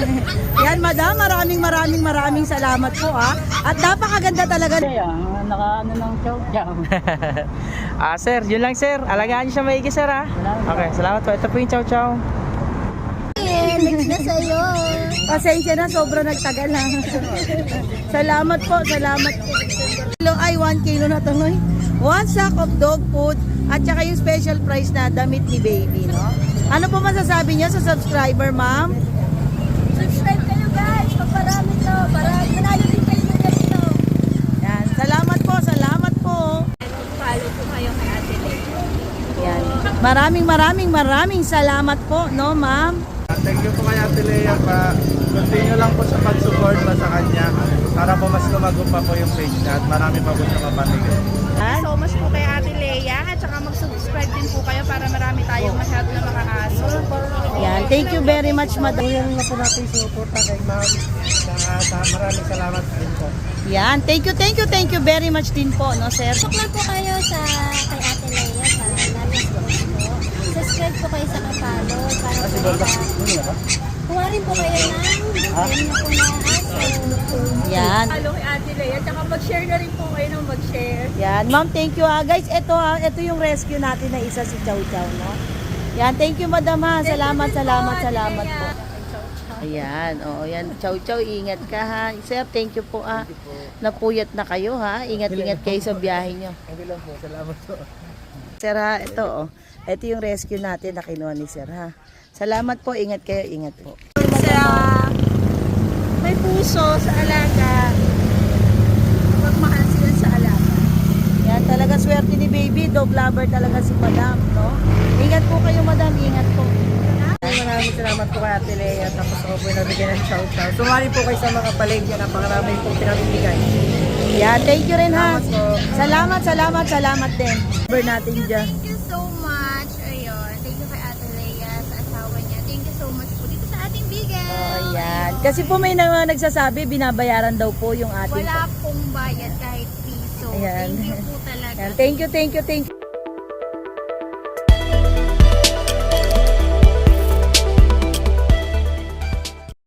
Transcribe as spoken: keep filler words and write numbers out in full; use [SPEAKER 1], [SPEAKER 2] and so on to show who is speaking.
[SPEAKER 1] Yan, madam, maraming maraming maraming salamat po ah. At napakaganda talaga.
[SPEAKER 2] Kaya, naka ano ng chow chow.
[SPEAKER 3] Ah, sir, yun lang sir. Alagaan niyo siya maigi sir ha. Okay, salamat po. Ito po yung chow chow.
[SPEAKER 4] Next na sa'yo.
[SPEAKER 1] Pasensya na, sobra nagtagal ha. Salamat po, salamat po. Kilo ay one kilo na to, no? One sack of dog food at saka yung special price na damit ni baby, no? Ano po masasabi niyo sa subscriber, ma'am?
[SPEAKER 4] Subscribe kayo guys. Paparami to. Para manalo din kayo ng ganito.
[SPEAKER 1] Yan, salamat po, salamat po.
[SPEAKER 4] Follow po kayo kay Ate Lay.
[SPEAKER 1] Yan. Maraming maraming maraming salamat po, no, ma'am?
[SPEAKER 5] Thank you po kay Ate Lea pa. Continue lang po sa pag-support pa sa kanya para po mas lumago pa po yung page niya at marami pa po siya mapamigay.
[SPEAKER 1] Yan.
[SPEAKER 4] So much po kay Ate Lea at saka mag-subscribe din po kayo para marami tayong ma-help na mga aso.
[SPEAKER 1] Yan. Thank you very much, madam.
[SPEAKER 5] Yan na po natin suporta kay ma'am. Sa maraming salamat din po.
[SPEAKER 1] Yan. Thank you, thank you, thank you very much din po, no, sir?
[SPEAKER 4] Subscribe po kayo sa kay Ate Lea sa Narias po. Subscribe po kayo sa kapalo para po sa... Kuha rin po kayo ng ganyan po na aso.
[SPEAKER 1] Yan.
[SPEAKER 4] Follow kay Ate Lea at saka mag-share na rin po kayo ng mag-share.
[SPEAKER 1] Yan. Ma'am, thank you ha. Guys, ito ha. Ito yung rescue natin na isa si Chow Chow, no? Yan. Thank you, madam ha. Salamat, salamat, salamat po. Ayan. Oo, yan. Chow Chow, ingat ka ha. Sir, thank you po ha. Napuyat na kayo ha. Ingat-ingat kayo sa biyahe nyo.
[SPEAKER 5] Hindi lang po. Salamat po.
[SPEAKER 1] Sir ha, ito oh. Ito yung rescue natin na kinuha ni Sir ha. Salamat po. Ingat kayo. Ingat po.
[SPEAKER 4] Sa may puso sa alaga, magmahal sila sa alaga.
[SPEAKER 1] Yan. Talaga swerte ni baby. Dog lover talaga si madam, no? Ingat po kayo, madam. Ingat po.
[SPEAKER 5] Maraming salamat po kay Ate Lea. Tapos ako po yung nabigyan ng shout-out. Sumali po kayo sa mga paligya. Napakarami po pinabibigay.
[SPEAKER 1] Yan. Thank you rin ha.
[SPEAKER 5] Salamat po.
[SPEAKER 1] Salamat, salamat, salamat din. Number natin dyan.
[SPEAKER 4] Thank you so much. Ayun. Thank you kay Ate Lea sa asawa niya. Thank you so much po dito sa ating bigay.
[SPEAKER 1] Ayan. Kasi po may na, nagsasabi, binabayaran daw po yung ating...
[SPEAKER 4] Wala pong bayad kahit piso.
[SPEAKER 1] Ayan.
[SPEAKER 4] Thank you po talaga.
[SPEAKER 1] Ayan. Thank you, thank you, thank you.